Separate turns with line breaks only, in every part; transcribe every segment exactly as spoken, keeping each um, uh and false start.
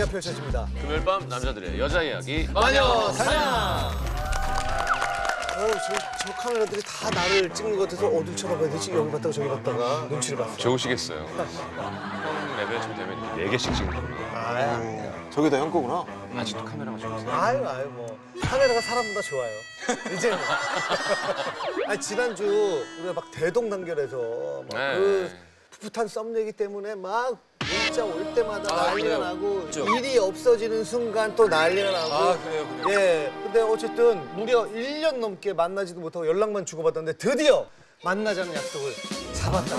이야기가 펼쳐집니다.
금요일 밤 남자들의 여자 이야기
마녀 사냥. 어, 저, 저 카메라들이 다 나를 찍는 것 같아서 어딜 쳐다봐야 되지? 여기 봤다가 저기 봤다가 눈치를 봤어.
좋으시겠어요. 형 레벨쯤 되면 네 개씩 찍는 겁니다.
아야.
저게 다 형 거구나.
아직도 카메라가 좋으세요.
아유 아유 뭐 카메라가 사람보다 좋아요. 이제는. 아니 지난주 우리가 막 대동단결해서 막
네.
그 풋풋한 썸내기 때문에 막 문자 올 때마다
아,
난리가
그래요?
나고
그렇죠.
일이 없어지는 순간 또 난리가 나고.
아, 그래요, 그래요.
예. 근데 어쨌든 무려 일 년 넘게 만나지도 못하고 연락만 주고받았는데 드디어 만나자는 약속을 잡았다.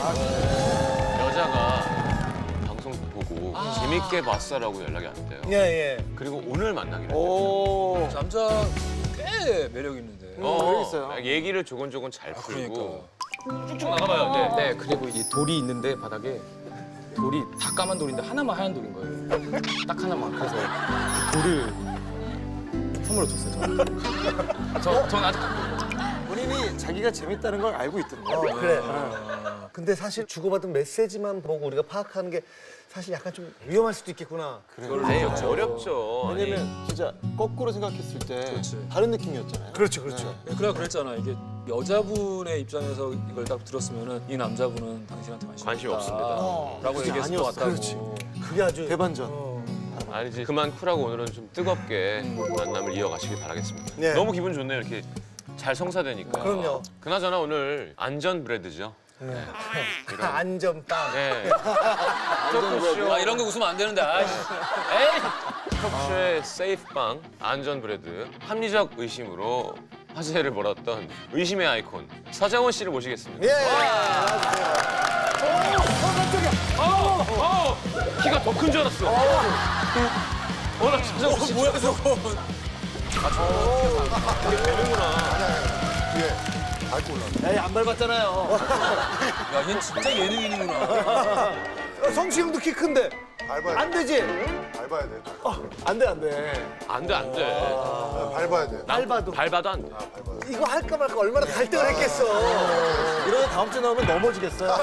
여자가 방송 보고 재밌게 봤어라고 연락이 안 돼요.
예 예.
그리고 오늘 만나기로 했어요.
오.
남자 꽤 매력 있는데.
매력 있어요.
얘기를 조곤조곤 잘
아,
풀고
그러니까.
쭉쭉 나가봐요. 네.
네, 그리고 이 돌이 있는데 바닥에 돌이 다 까만 돌인데 하나만 하얀 돌인 거예요. 딱 하나만. 그래서 그 돌을 선물로 줬어요. 저한테. 저, 전 아직
본인이 자기가 재밌다는 걸 알고 있던데.
어 그래. 근데 사실 주고받은 메시지만 보고 우리가 파악하는 게 사실 약간 좀 위험할 수도 있겠구나.
아니, 어렵죠. 아니,
왜냐면 진짜 거꾸로 생각했을 때
그렇지.
다른 느낌이었잖아요.
그렇죠 그렇죠.
예, 그래 그랬잖아. 이게 여자분의 입장에서 이걸 딱 들었으면은 이 남자분은 당신한테 관심,
관심
없다.
없습니다.
라고
그게
얘기했을 것
아니었어.
같다고.
그렇지. 그게 아주
대반전.
어.
아니지. 그만 쿨하고 오늘은 좀 뜨겁게 만남을 이어가시길 바라겠습니다.
네.
너무 기분 좋네요. 이렇게 잘 성사되니까.
그럼요.
그나저나 오늘 안전 브레드죠.
네. 안전빵.
네. 토크쇼.
아, 이런 거 웃으면 안 되는데. 아이씨. 에이!
토크쇼의 세이프빵 안전 브레드 합리적 의심으로 화제를 몰았던 의심의 아이콘 서장훈 씨를 모시겠습니다.
예.
어, 어, 키가 더 큰 줄 알았어. 어, 나 서장훈 씨.
뭐야 저거.
이게 되는구나.
에이 안 밟았잖아요.
야, 얜 진짜 예능인이구나.
어, 성시경도 키 큰데
밟아야
안
돼.
되지?
밟아야 돼.
안 돼 안 돼.
안 돼, 안 돼.
밟아야 돼.
밟아도
밟아도 안 돼.
이거 할까 말까 얼마나 갈등을 했겠어.
이러다 다음 주에 나오면 넘어지겠어요.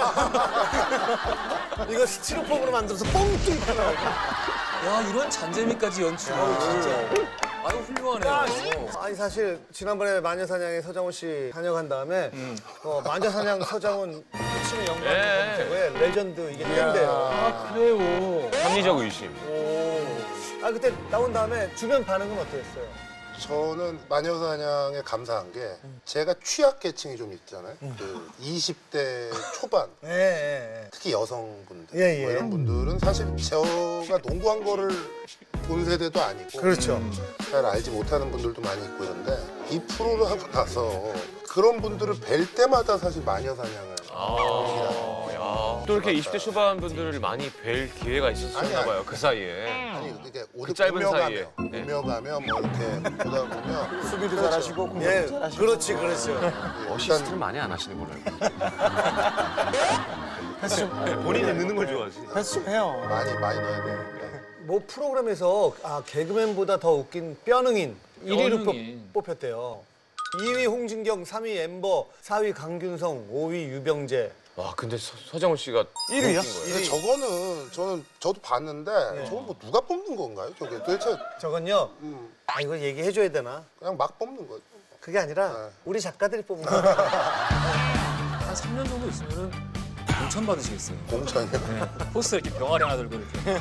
이거 스티로폼으로 만들어서 뻥 뚫고 나오고.
야, 이런 잔재미까지 연출. 진짜. 아유, 훌륭하네요.
아니 사실 지난번에 마녀사냥에 서장훈 씨 다녀간 다음에 어, 마녀사냥 서장훈 치는 영광
예.
검색어에 레전드 이게 뜬대요.
그래요.
합리적 의심.
아 그때 나온 다음에 주변 반응은 어땠어요?
저는 마녀사냥에 감사한 게 제가 취약계층이 좀 있잖아요. 그 이십 대 초반,
예, 예, 예.
특히 여성분들
예, 예.
뭐 이런 분들은 사실 제가 농구한 거를 본 세대도 아니고
그렇죠.
잘 알지 못하는 분들도 많이 있고 그런데 이 프로를 하고 나서 그런 분들을 뵐 때마다 사실 마녀사냥을
아, 야. 또 이렇게 이십 대 초반 분들을 많이 뵐 기회가
아니,
있었나
아니.
봐요, 그 사이에.
아니 이게
그 짧은
오며
사이에.
가며
네.
오며 가며 뭐 이렇게 보다 보면
수비도 잘하시고 공격도
예,
잘하시고.
그렇지, 그렇죠.
어시스트를 많이 안 하시는 걸로 알고 있어요. 본인이 넣는 걸 좋아하지.
패스 좀 해요.
많이 많이 넣어야 되니까.
뭐 프로그램에서 아 개그맨보다 더 웃긴 뼈능인 일 위로
뼈능인.
뽑, 뽑혔대요. 이 위 홍진경, 삼 위 엠버, 사 위 강균성, 오 위 유병재.
와, 근데 서, 서장훈 씨가
일 위야?
근데 저거는 저는 저도 봤는데 저건 뭐 누가 뽑는 건가요? 저게 도대체
저건요.
음,
아 이거 얘기해줘야 되나?
그냥 막 뽑는 거죠.
그게 아니라
네.
우리 작가들이 뽑은 거야.
한 삼 년 정도 있으면은 공천 받으시겠어요.
공천이요.
포스터 이렇게 병아리 하나 들고 이렇게.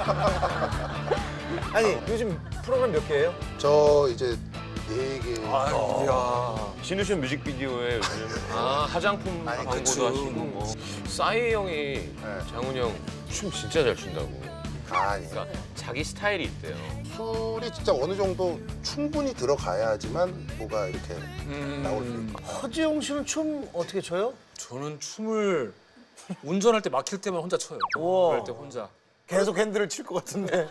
아니 요즘 프로그램 몇 개예요?
저 이제 네 개.
진우션 뮤직비디오에 요즘 아, 화장품
아니,
광고도
그쵸.
하시고 뭐. 싸이 형이 장훈이 형 춤 진짜 잘 춘다고.
아니,
그러니까 자기 스타일이 있대요.
술이 진짜 어느 정도 충분히 들어가야지만 뭐가 이렇게 나올 수 있고.
허지용 씨는 춤 어떻게 춰요?
저는 춤을 운전할 때 막힐 때만 혼자 춰요.
우와.
그럴 때 혼자.
계속 핸들을 칠 것 같은데.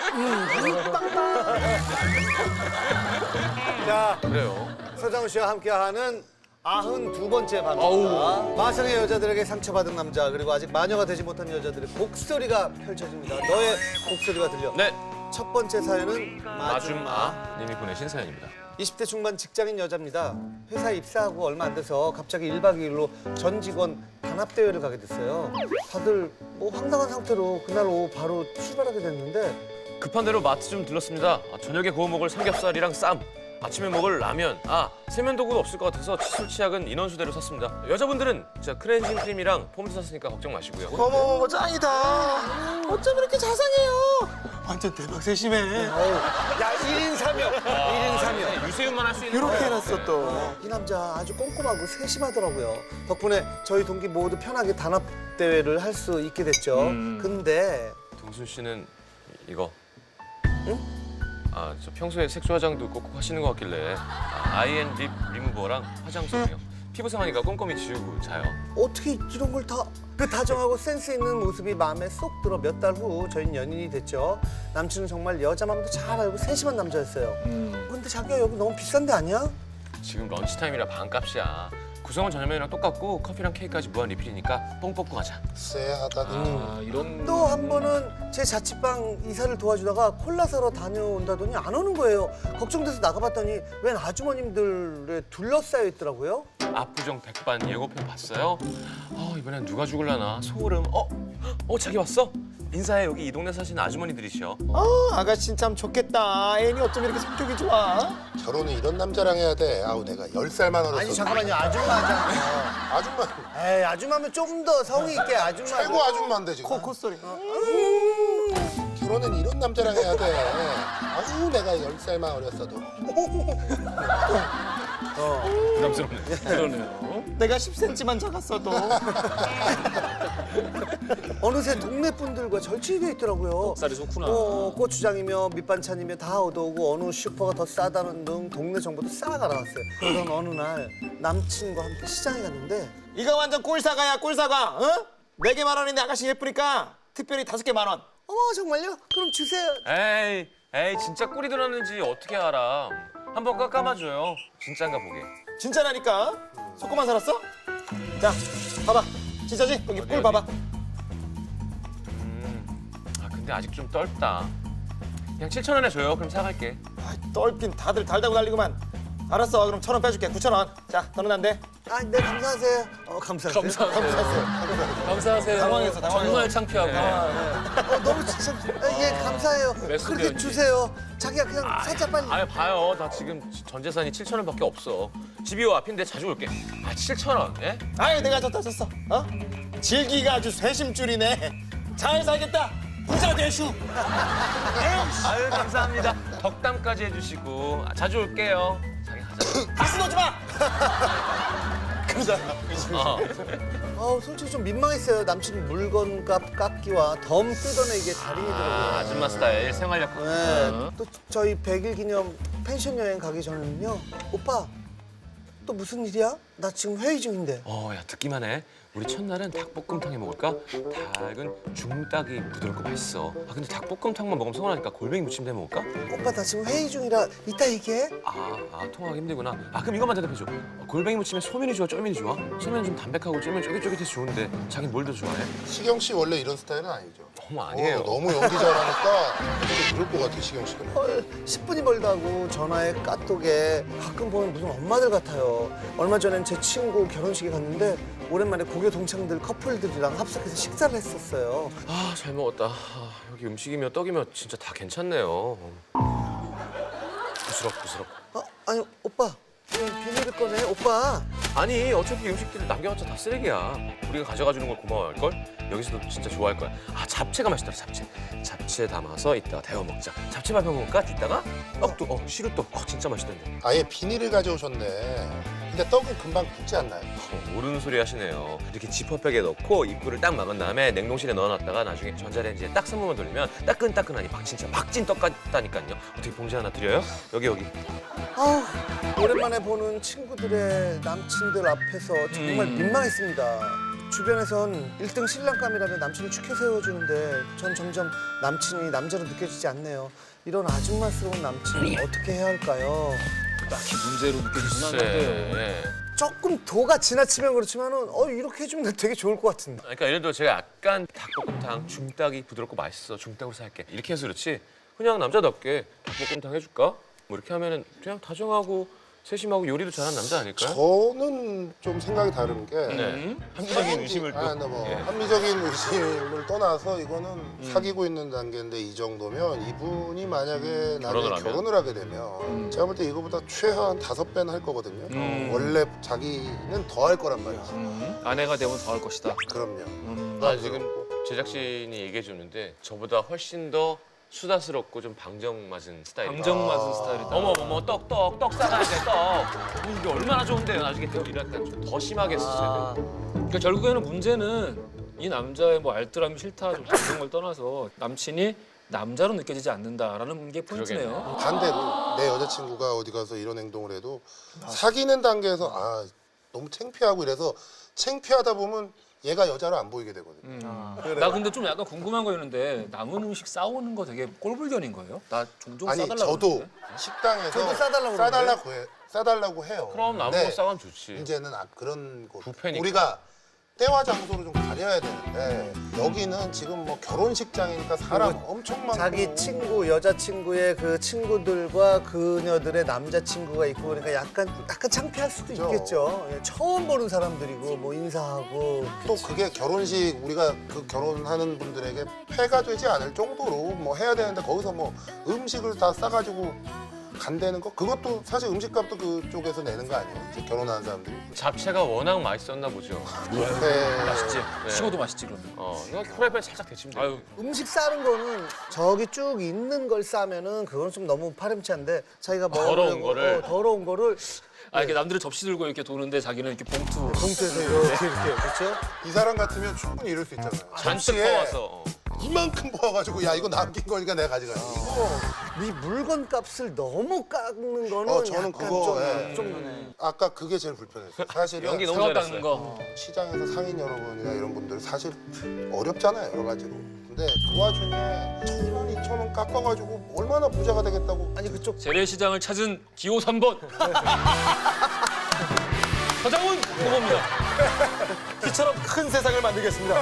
자
그래요.
서장훈 씨와 함께하는 아흔두 번째 방입니다. 마성의 여자들에게 상처받은 남자 그리고 아직 마녀가 되지 못한 여자들의 곡소리가 펼쳐집니다. 너의 곡소리가 들려.
네,
첫 번째 사연은 마줌아.
마줌아 님이 보내신 사연입니다.
이십 대 중반 직장인 여자입니다. 회사에 입사하고 얼마 안 돼서 갑자기 일 박 이 일로 전 직원 단합대회를 가게 됐어요. 다들 뭐 황당한 상태로 그날 오후 바로 출발하게 됐는데
급한 대로 마트 좀 들렀습니다. 아, 저녁에 구워 먹을 삼겹살이랑 쌈, 아침에 먹을 라면, 아 세면도구도 없을 것 같아서 칫솔 치약은 인원수대로 샀습니다. 여자분들은 진짜 클렌징 크림이랑 폼도 샀으니까 걱정 마시고요.
어머 짱이다. 어쩜 이렇게 자상해요? 완전 대박 세심해.
야, 일 인 삼역. 일 인 삼역.
유세윤만 할 수 있는
이렇게
거예요.
해놨어 또.
이 남자 아주 꼼꼼하고 세심하더라고요. 덕분에 저희 동기 모두 편하게 단합 대회를 할 수 있게 됐죠.
음.
근데
동순 씨는 이거. 응? 아, 저 평소에 색조 화장도 꼭꼭 하시는 것 같길래 아, 아이앤 립 리무버랑 화장솜이요. 피부 상하니까 꼼꼼히 지우고 자요.
어떻게 이런 걸 다 그 다정하고 센스 있는 모습이 마음에 쏙 들어 몇 달 후 저희는 연인이 됐죠. 남친은 정말 여자 마음도 잘 알고 세심한 남자였어요.
음.
근데 자기야 여기 너무 비싼 데 아니야?
지금 런치 타임이라 반값이야. 구성은 저녁면이랑 똑같고 커피랑 케이크까지 무한 리필이니까 뽕 뽑고 가자.
쎄하다.
아, 이런
또 한 번은 제 자취방 이사를 도와주다가 콜라 사러 다녀온다더니 안 오는 거예요. 걱정돼서 나가봤더니 웬 아주머님들에 둘러싸여 있더라고요.
압구정 백반 예고편 봤어요? 아, 이번엔 누가 죽을라나 소름. 어? 어, 자기 왔어? 인사해. 여기 이 동네 사시는 아주머니들이시여.
어 아가씨 참 좋겠다. 애니 어쩜 이렇게 성격이 좋아?
결혼은 이런 남자랑 해야 돼. 아우 내가 열 살만 어렸어.
아니 잠깐만요, 아줌마잖아요.
아줌마
에이, 아줌마면 좀 더 성의 있게 아줌마.
최고 아줌마인데 지금.
코 콧소리.
결혼은 이런 남자랑 해야 돼. 아우 내가 열 살만 어렸어도.
부담스럽네.
그러네요.
내가 십 센티미터만 작았어도.
어느새 동네 분들과 절친이 돼 있더라고요.
쌀이 좋구나.
어, 고추장이며 밑반찬이며 다 얻어오고 어느 슈퍼가 더 싸다는 등 동네 정보도 싹 알아왔어요. 그러던 어느 날 남친과 함께 시장에 갔는데
이거 완전 꿀사과야 꿀사과. 어? 네 개 만 원인데 아가씨 예쁘니까 특별히 다섯 개 만 원.
어머 정말요? 그럼 주세요.
에이, 에이, 진짜 꿀이 들었는지 어떻게 알아? 한번 깎아봐줘요. 진짠가 보게.
진짜라니까. 속고만 살았어? 자, 봐봐. 진짜지? 여기
어디,
꿀
어디?
봐봐.
음, 아 근데 아직 좀 떫다. 그냥 칠천 원에 줘요. 그럼 사갈게.
아, 떫긴 다들 달다고 난리구만. 알았어. 그럼 천 원 빼줄게. 구천 원. 자, 더는 안 돼.
아, 네 감사하세요. 어, 감사하세요.
감사하세요. 감사하세요.
당황했어, 당황했어.
정말 창피하고.
어, 너무 진짜 아, 예 감사해요.
메소드
그렇게
연기.
주세요. 자기야 그냥 살짝 빨리.
아 봐요. 나 지금 전 재산이 칠천 원밖에 없어. 집이 요 앞인데 자주 올게. 아 칠천 원? 예?
아유, 내가 졌다 졌어. 어? 질기가 아주 세심줄이네. 잘 살겠다. 부자 되슈.
아유 감사합니다. 덕담까지 해주시고 아, 자주 올게요. 자기 가자.
가스 넣지 마.
어.
아우 솔직히 좀 민망했어요. 남친 물건값 깎기와 덤 뜯어내기에 달인이더라고요.
아, 아줌마 스타일 생활력.
네. 또 저희 백 일 기념 펜션 여행 가기 전에는요. 오빠 또 무슨 일이야? 나 지금 회의 중인데.
어, 야 듣기만 해. 우리 첫날은 닭볶음탕 해 먹을까? 닭은 중닭이 부드럽고 맛있어. 아 근데 닭볶음탕만 먹으면 서운하니까 골뱅이 무침 해 먹을까?
오빠 나 지금 회의 중이라 이따 얘기해.
아, 아 통화하기 힘들구나. 아 그럼 이것만 대답해줘. 어, 골뱅이 무침에 소면이 좋아, 쫄면이 좋아? 소면은 좀 담백하고 쫄면 쫄깃쫄깃해서 좋은데 자긴 뭘 더 좋아해?
시경 씨 원래 이런 스타일은 아니죠.
어머 아니에요.
어, 너무 연기 잘하니까 좀 그럴 것 같아 시경 씨가.
헐, 십 분이 멀다고 전화에 까똑에 가끔 보면 무슨 엄마들 같아요. 얼마 전엔 제 친구 결혼식에 갔는데 오랜만에 고교 동창들 커플들이랑 합석해서 식사를 했었어요.
아 잘 먹었다. 아, 여기 음식이며 떡이며 진짜 다 괜찮네요. 부스럭 부스럭.
어, 아니 오빠 왜 비닐을 꺼내? 오빠.
아니 어차피 음식들 남겨봤자 다 쓰레기야. 우리가 가져가 주는 걸 고마워할 걸. 여기서도 진짜 좋아할 거야. 아 잡채가 맛있더라 잡채. 잡채 담아서 이따가 데워 먹자. 잡채 밥 해 먹을까? 이따가 떡도 어 시루떡 어 진짜 맛있던데.
아예 비닐을 가져오셨네. 근데 떡은 금방 굳지 않나요?
어, 모르는 소리 하시네요. 이렇게 지퍼백에 넣고 입구를 딱 막은 다음에 냉동실에 넣어놨다가 나중에 전자레인지에 딱 삼 분만 돌리면 따끈따끈하니 막 진짜 막진 떡 같다니까요. 어떻게 봉지 하나 드려요? 여기 여기.
아우 오랜만에 보는 친구들의 남친들 앞에서 정말
음.
민망했습니다. 주변에선 일 등 신랑감이라며 남친을 축해 세워주는데 전 점점 남친이 남자로 느껴지지 않네요. 이런 아줌마스러운 남친 어떻게 해야 할까요?
딱히 문제로 느껴지진
글쎄.
않는데요.
예.
조금 도가 지나치면 그렇지만은 어 이렇게 해주면 되게 좋을 것 같은데.
그러니까 예를 들어 제가 약간 닭볶음탕 중닭이 부드럽고 맛있어 중닭으로 살게 이렇게 해서 그렇지 그냥 남자답게 닭볶음탕 해줄까? 뭐 이렇게 하면은 그냥 다정하고 세심하고 요리도 잘하는 남자 아닐까요?
저는 좀 생각이 다른 게
네. 합리적인 의심을 또.
아, 근데 뭐
예.
합리적인 의심을 떠나서 이거는
음.
사귀고 있는 단계인데 이 정도면 이분이 만약에 나중에
결혼을 하면?
결혼을 하게 되면 제가 볼 때 이거보다 최하한 다섯 배는 할 거거든요.
음.
원래 자기는 더 할 거란 말이지.
음. 아내가 되면 더 할 것이다.
그럼요.
음.
아, 지금 제작진이 얘기해 줬는데 저보다 훨씬 더 수다스럽고 좀 방정 맞은 스타일이에요.
방정 맞은 스타일이다.
어머 어머 떡 떡 떡 싸가야 돼 떡. 어, 이게 얼마나 좋은데요 나중에 이렇게 좀 더 심하게 쓰셔야 돼.
그러니까 결국에는 문제는 이 남자의 뭐 알뜰함이 싫다 좀 이런 걸 떠나서 남친이 남자로 느껴지지 않는다라는 게 포인트네요.
반대로 내 여자친구가 어디 가서 이런 행동을 해도 사귀는 단계에서 아 너무 창피하고 이래서 창피하다 보면 얘가 여자로 안 보이게 되거든요.
음. 나 근데 좀 약간 궁금한 거 있는데 남은 음식 싸오는 거 되게 꼴불견인 거예요? 나 종종
아니
싸달라고
저도
그러는데.
식당에서
저도 싸달라고
싸달라고 해, 싸달라고 해요.
그럼 남은
근데
거 싸가면 좋지.
이제는 아, 그런 거
부패니까.
우리가 때와 장소를 좀 가려야 되는데 여기는 지금 뭐 결혼식장이니까 사람 엄청 많고
자기 친구, 여자친구의 그 친구들과 그녀들의 남자친구가 있고 그러니까 약간 약간 창피할 수도
그죠.
있겠죠. 예, 처음 보는 사람들이고 뭐 인사하고
또 그게 결혼식 우리가 그 결혼하는 분들에게 폐가 되지 않을 정도로 뭐 해야 되는데 거기서 뭐 음식을 다 싸가지고 간다는 거 그것도 사실 음식값도 그쪽에서 내는 거 아니에요? 이제 결혼하는 사람들이.
잡채가 워낙 맛있었나 보죠.
네.
맛있지?
네.
식어도 맛있지 그러면.
어, 이거 프라이팬 살짝 데치면 돼.
아유,
음식 싸는 거는 저기 쭉 있는 걸 싸면은 그건 좀 너무 파렴치한데 자기가 먹으려고
더러운 거를.
어, 더러운 거를
아 이렇게 남들은 접시 들고 이렇게 도는데 자기는 이렇게 봉투.
봉투에서 이렇게 이렇게 그렇죠?
이 사람 같으면 충분히 이럴 수 있잖아요.
잔뜩
접시에
퍼와서. 어.
이만큼 모아가지고 야 이거 남긴 거니까 내가 가져가지. 이거
이 물건 값을 너무 깎는 거는
어, 저는
약간
그거,
좀,
예.
좀
아까 그게 제일 불편했어요. 사실은
연기 너무
사과
잘했어요.
깎는 거.
시장에서 상인 여러분이나 이런 분들 사실 어렵잖아요 여러 가지로. 근데 그 와중에 천 원, 이천 원 깎아가지고 얼마나 부자가 되겠다고.
아니 그쪽
재래시장을 찾은 기호 삼 번. 서장훈 후보입니다.
이처럼 큰 세상을 만들겠습니다.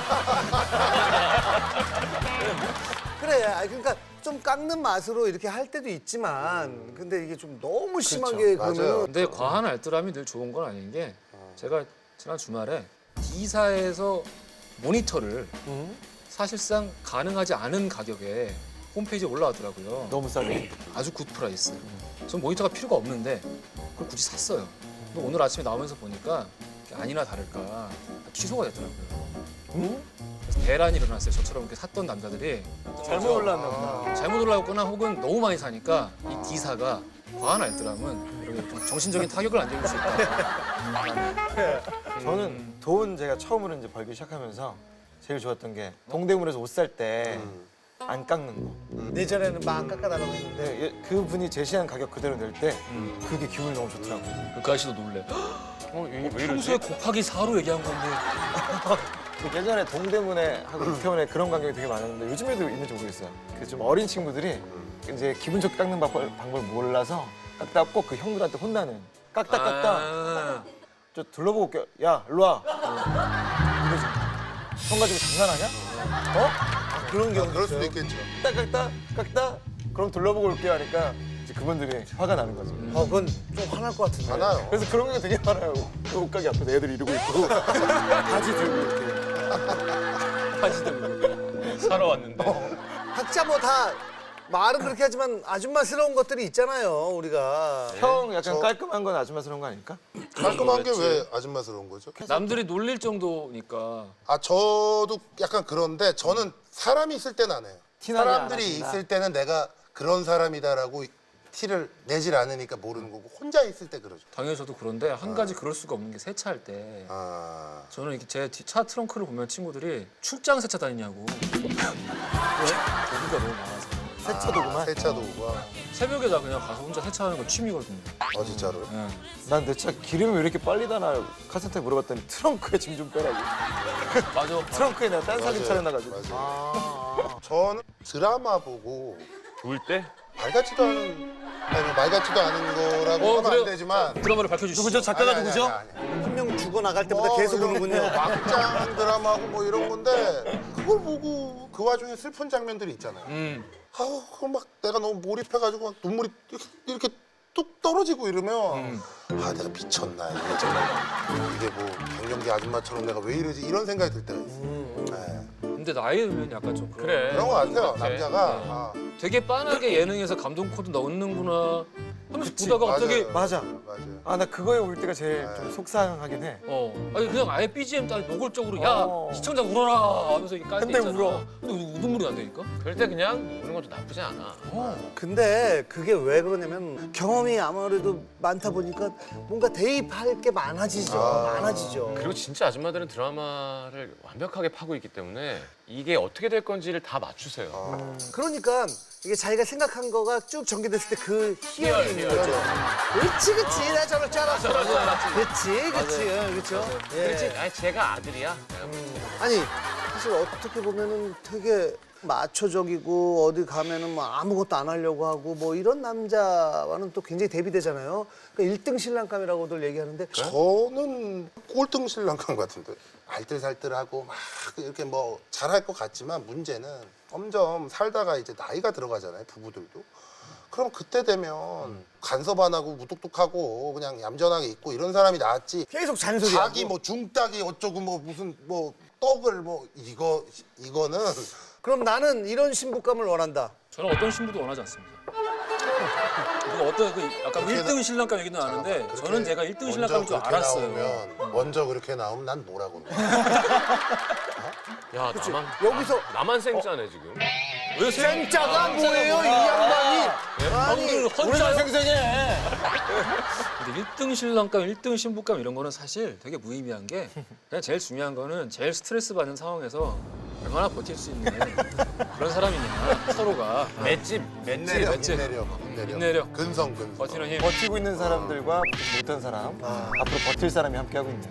그래. 아니 그러니까 좀 깎는 맛으로 이렇게 할 때도 있지만 근데 이게 좀 너무 심하게
맞아요.
그러면은
근데 과한 알뜰함이 늘 좋은 건 아닌 게 제가 지난 주말에 D사에서 모니터를 사실상 가능하지 않은 가격에 홈페이지에 올라왔더라고요.
너무 싸게.
아주 굿 프라이스. 전 모니터가 필요가 없는데 그걸 굳이 샀어요. 근데 오늘 아침에 나오면서 보니까 아니나 다를까 취소가 됐더라고요. 그래서 대란이 일어났어요. 저처럼 이렇게 샀던 남자들이
잘못 올랐나 보다.
잘못 올라왔거나 혹은 너무 많이 사니까 이 D사가 과한 알뜰함은 이렇게 좀 정신적인 타격을 안 줄 수 있다.
저는 돈 제가 처음으로 이제 벌기 시작하면서 제일 좋았던 게 동대문에서 옷 살 때 안 깎는 거.
예전에는 막 깎아달라고 했는데
네, 예, 그분이 제시한 가격 그대로 낼 때 그게 기분이 너무 좋더라고요.
그 아저씨도 놀래.
어, 이게 왜
평소에
이러지?
곱하기 사로 얘기한 건데.
그 예전에 동대문에 하고 이태원에 그런 광경이 되게 많았는데 요즘에도 있는지 모르겠어요. 그 좀 어린 친구들이 이제 기분 좋게 깎는 방법, 방법을 몰라서 깎다 꼭 그 형들한테 혼나는 깎다 깎다
아,
저 둘러보고 올게요. 야 일로 와. 이러지. 형 가지고 장난하냐? 어?
그런 경우
그럴 수도 있겠죠.
깎다 깎다 깎다 그럼 둘러보고 올게요 하니까 이제 그분들이 화가 나는 거죠.
어 그건 좀 화날 것 같은데.
많아요.
그래서 그런 게 되게 많아요. 그 옷가게 앞에서 애들 이러고 있고 바지 들고 이렇게.
사러 왔는데.
각자 뭐 다 말은 그렇게 하지만 아줌마스러운 것들이 있잖아요 우리가.
형 약간
저-
깔끔한 건 아줌마스러운 거 아닐까?
깔끔한 게 왜 아줌마스러운 거죠?
남들이 놀릴 정도니까.
아 저도 약간 그런데 저는 사람이 있을 때는 안 해요.
티나게 안
사람들이
하신다.
있을 때는 내가 그런 사람이다라고 티를 내질 않으니까 모르는 거고 혼자 있을 때 그러죠.
당연히 저도 그런데 한 가지 그럴 수가 없는 게 세차할 때
아
저는 이렇게 제 차 트렁크를 보면 친구들이 출장 세차 다니냐고. 왜? 도구가 너무 많아서.
세차 도구만.
세차 도구가.
새벽에 나 그냥 가서 혼자 세차하는 거 취미거든요.
어 진짜로.
예.
난 내 차 기름이 왜 이렇게 빨리 다나 카센터에 물어봤더니 트렁크에 짐 좀 빼라고.
맞아.
트렁크에 내가 딴 살림
맞아요.
차려놔가지고.
맞아요. 저는 드라마 보고
좋을 때?
말 같지도 않은 아니 뭐말 같지도 않은 거라고
어,
하면
그래요?
안 되지만
드라마를 밝혀주시죠.
누구죠? 작가가
아니, 아니,
누구죠?
아니, 아니, 아니.
한 명 죽어 나갈 때마다
뭐
계속
이런
오는군요.
막장 드라마고 뭐 이런 건데 그걸 보고 그 와중에 슬픈 장면들이 있잖아요.
음.
아우 그거 막 내가 너무 몰입해가지고 막 눈물이 이렇게, 이렇게 뚝 떨어지고 이러면
음.
아 내가 미쳤나 이게 정말 이게 뭐 갱년기 아줌마처럼 내가 왜 이러지 이런 생각이 들 때가 있어. 네.
근데 나이 들면 약간 좀 그런
그래.
그런 거 같아요.
그래.
남자가
네.
아,
되게 빤하게 예능에서 감동 코드 넣는구나 하면서 보다가 갑자기
맞아요.
맞아.
맞아요.
아 나 그거에 올 때가 제일
네.
좀 속상하긴 해.
어 아니 그냥 아예 비지엠 딱 노골적으로 야
어.
시청자 울어라 하면서 이렇게 깔때
근데
있잖아.
울어.
근데 우등물이 안 되니까.
그럴 때 그냥 우는 것도 나쁘지 않아.
근데 그게 왜 그러냐면 경험이 아무래도 많다 보니까 뭔가 대입할 게 많아지죠.
아.
많아지죠.
그리고 진짜 아줌마들은 드라마를 완벽하게 파고 있기 때문에 이게 어떻게 될 건지를 다 맞추세요.
아.
그러니까 이게 자기가 생각한 거가 쭉 전개됐을 때 그 희열이
희열,
있는
희열.
거죠. 그렇지, 그렇지. 나 저럴 줄 알았어. 그렇지, 그렇지. 응, 그렇죠. 예.
그렇지. 아니 제가 아들이야.
아니, 사실 어떻게 보면은 되게 마초적이고 어디 가면은 뭐 아무것도 안 하려고 하고 뭐 이런 남자와는 또 굉장히 대비되잖아요. 그러니까 일 등 신랑감이라고들 얘기하는데
저는 꼴등 신랑감 같은데 알뜰살뜰하고 막 이렇게 뭐 잘할 것 같지만 문제는 점점 살다가 이제 나이가 들어가잖아요 부부들도. 그럼 그때 되면 간섭 안 하고 무뚝뚝하고 그냥 얌전하게 있고 이런 사람이 낫지.
계속 잔소리하고.
자기 뭐 중딱이 어쩌고 뭐 무슨 뭐 떡을 뭐 이거 이거는
그럼 나는 이런 신부감을 원한다.
저는 어떤 신부도 원하지 않습니다. 그리고 어떤 그 약간
그렇게
일 등 신랑감 얘기도 나는데
그렇게
저는 제가 일 등 신랑감인 줄
먼저 그렇게
알았어요.
나오면, 먼저 그렇게 나오면 난 뭐라고 그래.
야 나만
여기서-
나, 나만 생짜네 지금.
왜
쌩짜가 뭐예요, 이 양반이? 아니,
우리가 생생해. 근데 일 등 신랑감, 일 등 신부감 이런 거는 사실 되게 무의미한 게 그냥 제일 중요한 거는 제일 스트레스 받는 상황에서 얼마나 버틸 수 있는 그런 사람이냐 서로가
맷집 맷집.
인내력,
맞지?
인내력, 인내력,
인내력.
근성, 근성.
버티는 힘.
버티고 있는 사람들과 버티지 못한 사람, 앞으로 버틸 사람이 함께하고 있네요.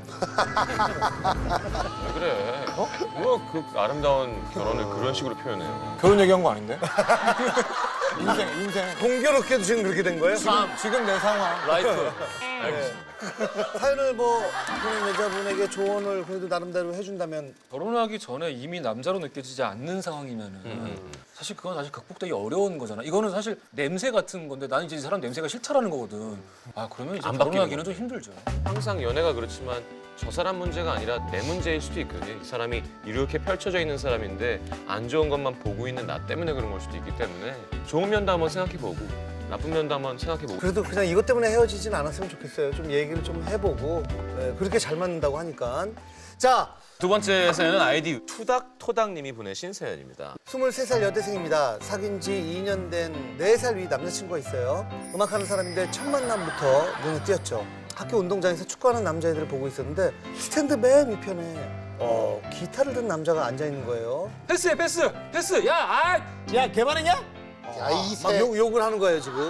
왜 그래? 어? 뭐 그 아름다운 결혼을 그런 식으로 표현해요.
결혼 얘기한 거 아닌데? 인생, 인생.
공교롭게도 지금 그렇게 된 거예요?
지금, 지금 내 상황.
라이프.
알겠습니다.
사연을 뭐 그런 여자분에게 조언을 그래도 나름대로 해준다면
결혼하기 전에 이미 남자로 느껴지지 않는 상황이면은 사실 그건 사실 극복되기 어려운 거잖아. 이거는 사실 냄새 같은 건데 나는 이제 이 사람 냄새가 싫다라는 거거든. 아 그러면 이제
안 바뀌는
결혼하기는 좀 힘들죠.
항상 연애가 그렇지만 저 사람 문제가 아니라 내 문제일 수도 있거든요. 이 사람이 이렇게 펼쳐져 있는 사람인데 안 좋은 것만 보고 있는 나 때문에 그런 걸 수도 있기 때문에 좋은 면도 한번 생각해보고 나쁜 면도 한번 생각해보고.
그래도 그냥 이것 때문에 헤어지진 않았으면 좋겠어요. 좀 얘기를 좀 해보고 네, 그렇게 잘 맞는다고 하니까. 자,
두 번째 사연은 아이디 투닥토닥님이 보내신 사연입니다.
스물세 살 여대생입니다. 사귄 지 이 년 된 네 살 위 남자친구가 있어요. 음악하는 사람인데 첫 만남부터 눈에 띄었죠. 학교 운동장에서 축구하는 남자애들을 보고 있었는데 스탠드 맨 위편에 어, 기타를 든 남자가 앉아있는 거예요.
패스해 패스 패스. 야 아.
야, 개발했냐?
야, 이
막
새.
욕, 욕을 하는 거예요, 지금.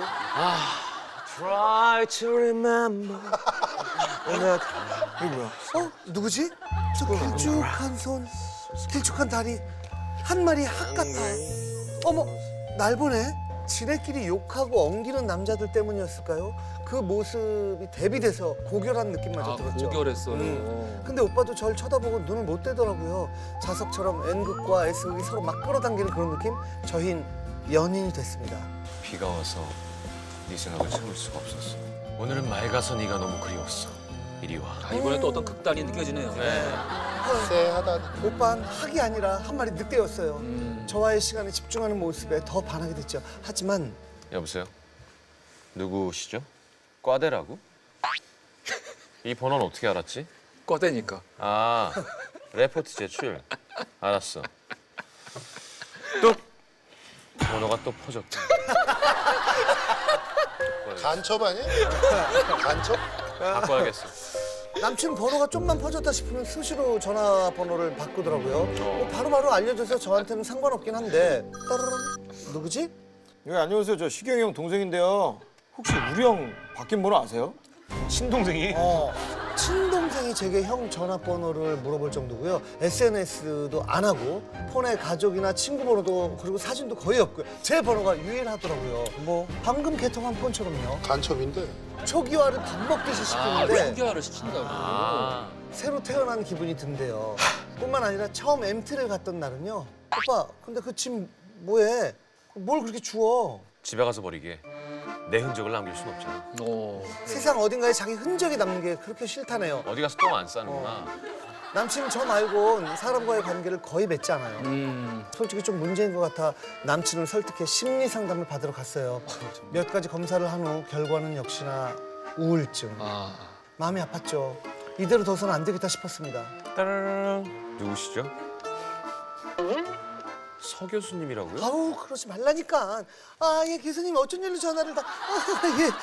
Try to remember.
어? 누구지? 저 길쭉한 손, 길쭉한 다리, 한 마리 학 같아. 어머, 날 보네. 지네끼리 욕하고 엉기는 남자들 때문이었을까요? 그 모습이 대비돼서 고결한 느낌마저
아
들었죠.
고결했어요.
음. 근데 오빠도 절 쳐다보고 눈을 못 떼더라고요. 자석처럼 N극과 S극이 서로 막 끌어당기는 그런 느낌? 저흰 연인이 됐습니다.
비가 와서 네 생각을 참을 수가 없었어. 오늘은 맑아서 네가 너무 그리웠어. 이리 와.
아 이번에 또 어떤 극단이 느껴지네요.
네.
쎄하다.
오빠는 학이 아니라 한 마리 늑대였어요.
음.
저와의 시간에 집중하는 모습에 더 반하게 됐죠. 하지만
여보세요? 누구시죠? 과대라고? 이 번호는 어떻게 알았지?
꺼대니까.
아, 레포트 제출. 알았어. 뚝! 번호가 또 퍼졌다.
간첩 아니야? 간첩?
바꿔야겠어.
남친 번호가 좀만 퍼졌다 싶으면 수시로 전화번호를 바꾸더라고요. 뭐 바로바로 알려줘서 저한테는 상관없긴 한데 따르릉 누구지?
네, 안녕하세요. 저 시경이 형 동생인데요. 혹시 우리 형 바뀐 번호 아세요?
친동생이?
어, 친동생이 제게 형 전화번호를 물어볼 정도고요. 에스엔에스도 안 하고 폰에 가족이나 친구 번호도 그리고 사진도 거의 없고요. 제 번호가 유일하더라고요. 뭐 방금 개통한 폰처럼요.
간첩인데.
초기화를 밥 먹듯이
아
시키는데
초기화를 시킨다고.
아,
새로 태어난 기분이 든대요. 뿐만 아니라 처음 엠티를 갔던 날은요. 오빠, 근데 그 짐 뭐해? 뭘 그렇게 주워?
집에 가서 버리게. 내 흔적을 남길 순 없잖아.
오.
세상 어딘가에 자기 흔적이 남는 게 그렇게 싫다네요.
어디 가서 똥 안 싸는구나.
남친은 저 말곤 사람과의 관계를 거의 맺지 않아요.
음.
솔직히 좀 문제인 것 같아 남친을 설득해 심리 상담을 받으러 갔어요. 몇 가지 검사를 한 후 결과는 역시나 우울증.
아.
마음이 아팠죠. 이대로 둬서는 안 되겠다 싶었습니다.
따라랑 누구시죠? 서 교수님이라고요?
아우 그러지 말라니까. 아 예 교수님 어쩐 일로 전화를 다. 아, 예.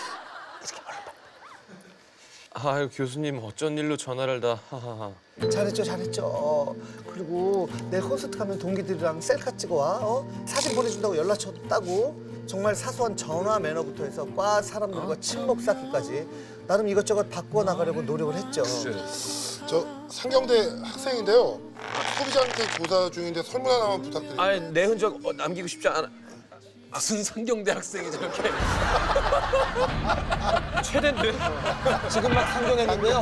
아유 교수님 어쩐 일로 전화를 다. 하하하.
잘했죠 잘했죠. 그리고 내일 콘서트 가면 동기들이랑 셀카 찍어 와. 어? 사진 보내준다고 연락처 따고. 정말 사소한 전화 매너부터 해서 과 사람들과 친목 쌓기까지 나름 이것저것 바꿔 나가려고 노력을 했죠.
저 상경대 학생인데요. 소비자한테 조사 중인데 설문 하나만 부탁드립니다.
아니 내 흔적 어, 남기고 싶지 않아.
무슨 상경대 학생이 저렇게.
최대인데?
지금 막 상경했는데요.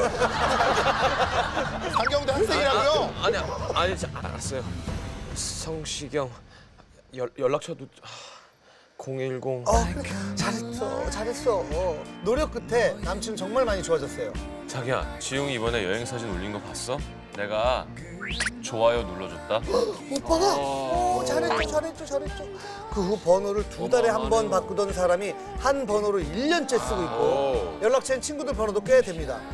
상경대 학생이라고요?
아니 아니 자, 알았어요. 성시경 연, 연락처도 공일공.
어 그래 잘했어 잘했어. 어. 노력 끝에 남친은 정말 많이 좋아졌어요.
자기야 지웅이 이번에 여행 사진 올린 거 봤어? 내가 좋아요 눌러줬다.
오빠가 어, 잘했죠 잘했죠 잘했죠. 그 후 번호를 두 달에 한 번 바꾸던 사람이 한 번호를 일 년째 쓰고 있고
오.
연락처엔 친구들 번호도 꽤 됩니다.